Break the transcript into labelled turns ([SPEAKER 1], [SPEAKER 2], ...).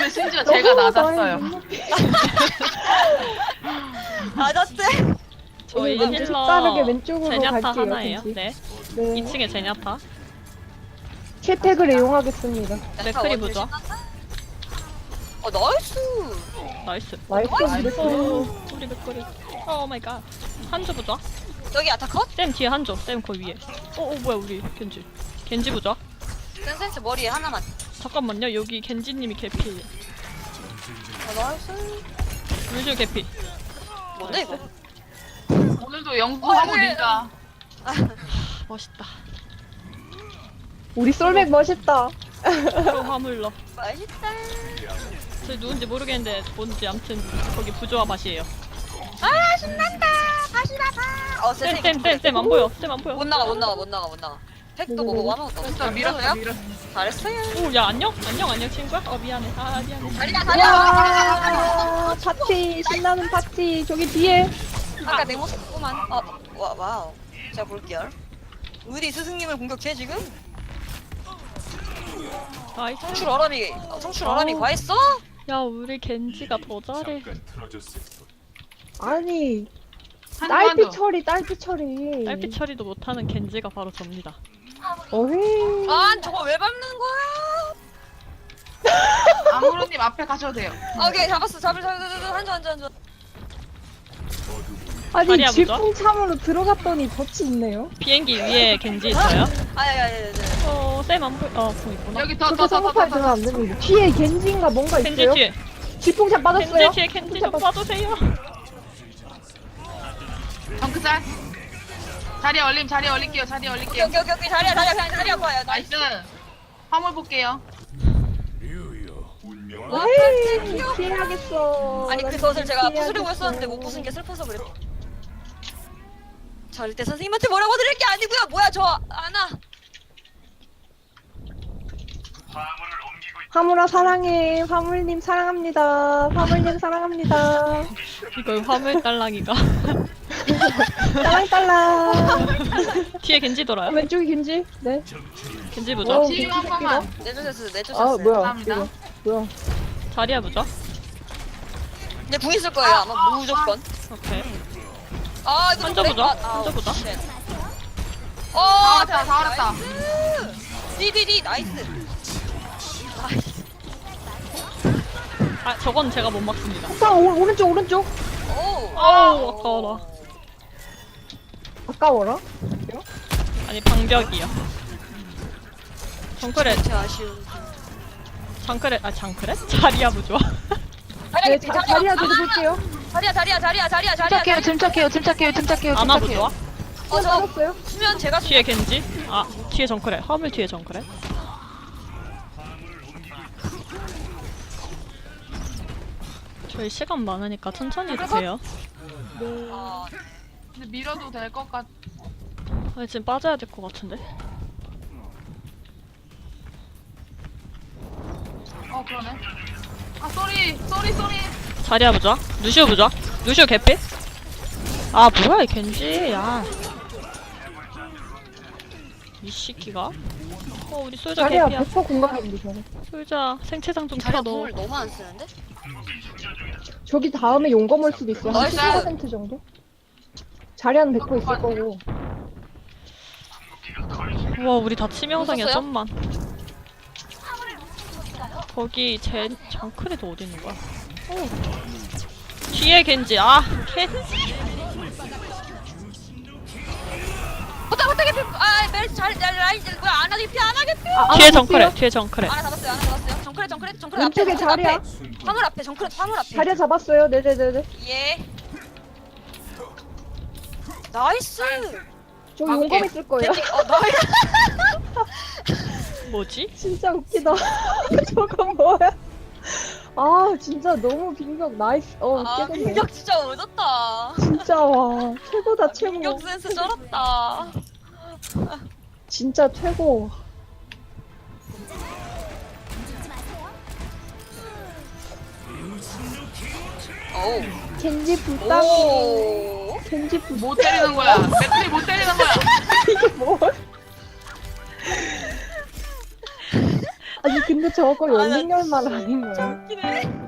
[SPEAKER 1] 오늘 심지어 제가 낮았어요.
[SPEAKER 2] 맞았대.
[SPEAKER 3] 저희
[SPEAKER 4] 왠지
[SPEAKER 3] 힐러
[SPEAKER 4] 색다르게 왼쪽으로
[SPEAKER 3] 제냐타
[SPEAKER 4] 갈게요,
[SPEAKER 3] 하나예요.
[SPEAKER 4] 왠지.
[SPEAKER 3] 네.
[SPEAKER 4] 네.
[SPEAKER 3] 2층에 제냐타.
[SPEAKER 4] 킬팩을 이용하겠습니다.
[SPEAKER 3] 맥크리 보죠.
[SPEAKER 2] 나이스.
[SPEAKER 3] 나이스.
[SPEAKER 4] 나이스
[SPEAKER 3] 오,
[SPEAKER 4] 브레이크.
[SPEAKER 3] 우리 맥크리. 오 마이 갓. 한조 보죠.
[SPEAKER 2] 여기 아타컷?
[SPEAKER 3] 쌤 뒤에 한조. 쌤 거기 위에. 오 뭐야 우리 겐지. 겐지 보죠.
[SPEAKER 2] 센센스 머리에 하나만.
[SPEAKER 3] 잠깐만요. 여기 겐지님이 개피.
[SPEAKER 2] 나이스.
[SPEAKER 3] 루시오 개피.
[SPEAKER 2] 뭔데 이거?
[SPEAKER 1] 오늘도 영수하고 닌자.
[SPEAKER 3] 멋있다.
[SPEAKER 4] 우리 솔맥 멋있다.
[SPEAKER 3] 서로 화물러.
[SPEAKER 2] 맛있다.
[SPEAKER 3] 저희 누군지 모르겠는데 뭔지 아무튼 거기 부조화 맛이에요.
[SPEAKER 2] 아 신난다. 다시 나가.
[SPEAKER 3] 쌤 안 보여. 쌤 안 보여.
[SPEAKER 2] 못 나가. 팩도 뭐고 아무것도 없어.
[SPEAKER 1] 진짜 밀었어.
[SPEAKER 2] 잘했어요.
[SPEAKER 3] 오 야 안녕 친구야. 미안해. 미안해.
[SPEAKER 2] 다리야.
[SPEAKER 4] 와 파티 신나는 파티 저기 뒤에.
[SPEAKER 2] 아까 내 모습 보구만. 와우. 제가 볼게요. 우리 스승님을 공격해 지금?
[SPEAKER 3] 나이스.
[SPEAKER 2] 성출 어람이 과했어?
[SPEAKER 3] 야 우리 겐지가 더 잘해.
[SPEAKER 4] 아니
[SPEAKER 1] 한조.
[SPEAKER 4] 딸피 처리.
[SPEAKER 3] 딸피 처리도 못하는 겐지가 바로 접니다.
[SPEAKER 4] 어헤이.
[SPEAKER 2] 저거 왜 밟는 거야?
[SPEAKER 1] 아무로님 앞에 가셔도 돼요.
[SPEAKER 2] 오케이 잡았어. 한조.
[SPEAKER 4] 아니
[SPEAKER 3] 다리야, 보자.
[SPEAKER 4] 질풍참으로 들어갔더니 덫이 있네요.
[SPEAKER 3] 비행기 위에 겐지 있어요?
[SPEAKER 2] 아야야야야.
[SPEAKER 3] 쌤 안 보여. 공 있구나.
[SPEAKER 1] 여기
[SPEAKER 4] 그렇게 성급하게 들어가면 안 됩니다. 뒤에 겐지인가 뭔가
[SPEAKER 3] 겐지
[SPEAKER 4] 있어요?
[SPEAKER 3] 뒤에.
[SPEAKER 4] 질풍참 빠졌어요?
[SPEAKER 3] 겐지 뒤에 겐지 좀 봐주세요.
[SPEAKER 1] 덩크짤. 자리에 올릴게요.
[SPEAKER 2] 오케이. 다리야. 그냥 다리야 봐요.
[SPEAKER 1] 나이스. 화물 볼게요.
[SPEAKER 2] 와,
[SPEAKER 4] 에이
[SPEAKER 2] 귀여워.
[SPEAKER 4] 피해야겠어.
[SPEAKER 2] 아니 그 덫을 제가
[SPEAKER 4] 피해야겠어.
[SPEAKER 2] 부수려고 했었는데 못 부순 게 슬퍼서 그래. 절대 선생님한테 뭐라고 드릴 게 아니고요. 뭐야 저 아나.
[SPEAKER 4] 화물아 사랑해. 화물님 사랑합니다. 화물님 사랑합니다.
[SPEAKER 3] 이거 화물 딸랑이가.
[SPEAKER 4] 딸랑딸랑.
[SPEAKER 3] 뒤에 겐지 돌아요.
[SPEAKER 4] 왼쪽이 겐지? 네.
[SPEAKER 3] 겐지 보죠.
[SPEAKER 1] 치유 한 번만.
[SPEAKER 2] 내주셨어요.
[SPEAKER 4] 아 뭐야?
[SPEAKER 1] 감사합니다.
[SPEAKER 4] 이거 뭐야?
[SPEAKER 3] 자리야 보죠.
[SPEAKER 2] 근데 궁 있을 거예요 아마 무조건.
[SPEAKER 3] 오케이.
[SPEAKER 2] 아 이거
[SPEAKER 3] 한조
[SPEAKER 2] 좀
[SPEAKER 3] 보자.
[SPEAKER 2] 렉- 아,
[SPEAKER 3] 한조 보자.
[SPEAKER 2] 쉣.
[SPEAKER 1] 다 왔다.
[SPEAKER 2] 디디디 나이스.
[SPEAKER 3] 아 저건 제가 못 막습니다.
[SPEAKER 4] 자 오른쪽.
[SPEAKER 2] 오.
[SPEAKER 3] 아우 아까워라.
[SPEAKER 4] 아까워라?
[SPEAKER 3] 아니 방벽이요. 정크렛.
[SPEAKER 2] 제 아쉬운.
[SPEAKER 3] 장크렛. 자리야 보죠.
[SPEAKER 4] 네 자리야 저도 볼게요.
[SPEAKER 2] 자리야.
[SPEAKER 1] 침착해요.
[SPEAKER 3] 아나 보죠.
[SPEAKER 2] 저
[SPEAKER 4] 빠졌어요?
[SPEAKER 2] 수면 제가
[SPEAKER 3] 뒤에 겐지. 아 뒤에 정크렛. 화물 뒤에 정크렛. 저희 시간 많으니까 천천히 드세요.
[SPEAKER 2] 아,
[SPEAKER 1] 근데 밀어도 될 것 같.
[SPEAKER 3] 아니 지금 빠져야 될 것 같은데.
[SPEAKER 1] 그러네. 아 쏘리.
[SPEAKER 3] 자리야 보자. 루시오 보자. 루시오 개피? 아 뭐야 이 겐지. 야. 이 시끼가. 우리 솔저
[SPEAKER 4] 자리야
[SPEAKER 3] 개피야.
[SPEAKER 4] 100% 공감입니다. 저는.
[SPEAKER 3] 솔저 생체장 좀
[SPEAKER 2] 자리야
[SPEAKER 3] 펴 넣어.
[SPEAKER 2] 궁을 너무 안 쓰는데?
[SPEAKER 4] 저기 다음에 용검 올 수도 있어요. 한
[SPEAKER 2] 나이스.
[SPEAKER 4] 70% 정도? 자리하는 100% 있을 거고.
[SPEAKER 3] 우와 우리 다 치명상이야
[SPEAKER 2] 웃었어요?
[SPEAKER 3] 좀만. 거기 제 정크레도 어디 있는 거야? 뒤에 겐지. 아 겐지.
[SPEAKER 2] 호딱 개피. 메르시 잘 라인 뭐야 안 하게 피.
[SPEAKER 3] 뒤에 정크레. 뒤에 정크레.
[SPEAKER 2] 하나 잡았어요. 정크레
[SPEAKER 4] 왼쪽에 자리야.
[SPEAKER 2] 화물 앞에 정크레 화물 앞에.
[SPEAKER 4] 자리야 잡았어요. 네네네네.
[SPEAKER 2] 예. 나이스.
[SPEAKER 4] 저기 용검 있을 거예요.
[SPEAKER 2] 나이스.
[SPEAKER 3] 뭐지?
[SPEAKER 4] 진짜 웃기다. 저건 뭐야? 아 진짜 너무 빙벽 나이스. 깨졌네.
[SPEAKER 2] 민혁 진짜 오졌다.
[SPEAKER 4] 진짜 와 최고다 최고.
[SPEAKER 2] 민혁 센스 쩔었다.
[SPEAKER 4] 진짜 최고.
[SPEAKER 2] 오.
[SPEAKER 4] 겐지 불쌍해.
[SPEAKER 2] 오.
[SPEAKER 4] 겐지 불.
[SPEAKER 1] 못 때리는 거야. 맥클이 못 때리는 거야.
[SPEAKER 4] 이게 뭐? 아니 근데 근데 저거
[SPEAKER 2] 아, 나
[SPEAKER 4] 연승열만 아닌 거예요?
[SPEAKER 2] 웃기네.